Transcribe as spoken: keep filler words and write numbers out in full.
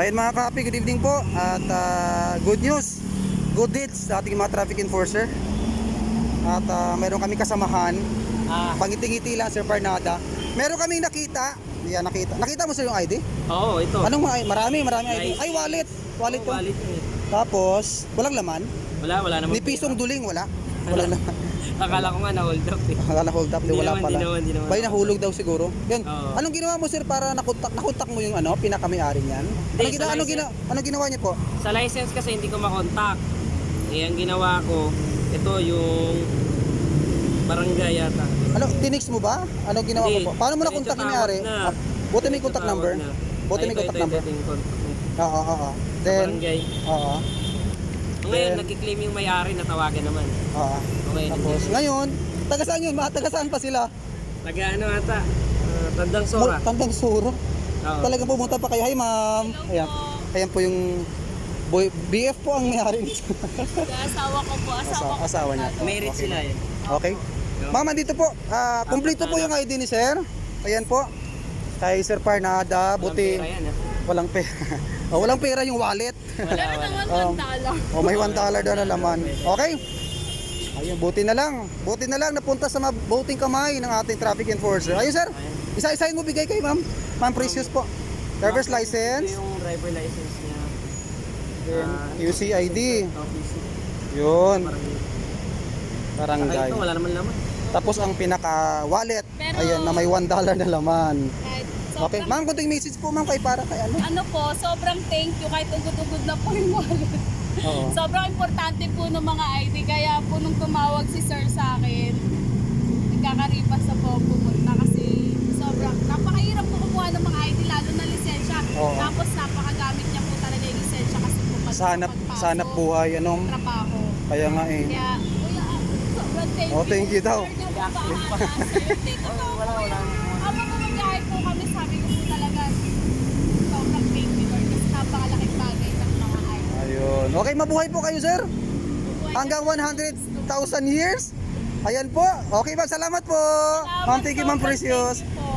Ayun mga kapi, good evening po. At uh, good news, good deeds sa ating mga traffic enforcer. At uh, meron kami kasamahan. Ah, Pangiti-ngiti lang, Sir Parnada. Meron kaming nakita. Yan, nakita. Nakita mo sir yung I D? oo, ito. Anong mga marami, marami I D. Nice. Ay, wallet. Wallet Oo, to. wallet yun eh. Tapos, walang laman. Wala, wala naman. Ni pisong duling, wala. Walang laman. Akala ko nga na-hold up eh. Akala hold up, di Hindi wala naman, pala. di naman, di naman. Bay, nahulog daw siguro. Yan. Oo. Anong ginawa mo sir para nakontak nakontak mo yung ano, pinaka-may-ari niyan? Anong Hindi, ginawa sa anong ginawa license. anong ginawa niyo po? Sa license kasi hindi ko makontak. Eh, ang ginawa ko, ito yung barangay yata. Ano, tinix mo ba? Anong ginawa Hindi. mo po? Paano mo Diretso nakontak yung tawag may-ari? na. Ah, buti may Diretso contact tawag number. na. Buti Ay, may ito, contact ito, number. ito yung contact niya. Oo, oo, oo. Sa Then, barangay. oo, Ngayon, Then- nagkiklaim yung may-ari na tawagan naman. oo. Okay, Tapos, nandiyan. ngayon, taga saan yun? Mga taga saan pa sila? Taga ano ata, ah, Tandang Sora. Mul- Tandang Suro. Oo. Talagang pumunta pa kayo. Hi ma'am. Ayan. Ayan po yung boy, B F po ang may-ari nito. Asawa ko po, asawa Asawa, ko. asawa niya. Merit Okay. sila eh. Okay. Ma'am, andito po. Ah, kumpleto po yung I D ni sir. Ayan po. Kay Sir Parnada, Walang buti pera yan, ah. walang pera. oh, walang pera yung wallet. Wala, Pero wala. naman Um, one dollar. Oh, may one dollar daw na laman. Okay? Ayun, buti na lang. Buti na lang napunta sa mabuting kamay ng ating traffic enforcer. Ayun, sir. Isa-isahin mo bigay kay ma'am. Ma'am Precious po. Driver's Ito license, yung driver license niya. then Ah, U C I D. Office. Yun, Parang Saka barangay. ito, wala naman laman. Tapos ang pinaka-wallet, Pero- ayan, na may one dollar na laman. Kahit Okay, sobrang, ma'am, kunting message po ma'am kay para kay ano. ano po, sobrang thank you kahit ugod-ugod na po yung wallet. Oo. Sobrang importante po ng mga I D. Kaya po nung tumawag si sir sa akin, nagkakaripas na po ako pumunta kasi sobrang napakahirap po kumuha ng mga I D lalo na lisensya. Oo. Tapos napakagamit niya po talaga yung lisensya kasi po pag Sanap, pagpasok, sanap buhay, anong, trabaho. kaya nga eh. Kaya, kuya, ah, sobrang thank you. Oh, thank you daw. Sir, niya po bahala sa'yo. Dito po, Wala, wala. habang bumabiyahe po kami, sabi ko po talaga, sobrang thank you Lord kasi napakalaking bagay ng mga I D. Ayun. Okay, mabuhay po kayo, sir. Hanggang one hundred thousand years. Ayan po. Okay, ma'am. Salamat po. Ma'am, thank you, ma'am Sobrang Precious. thank you po.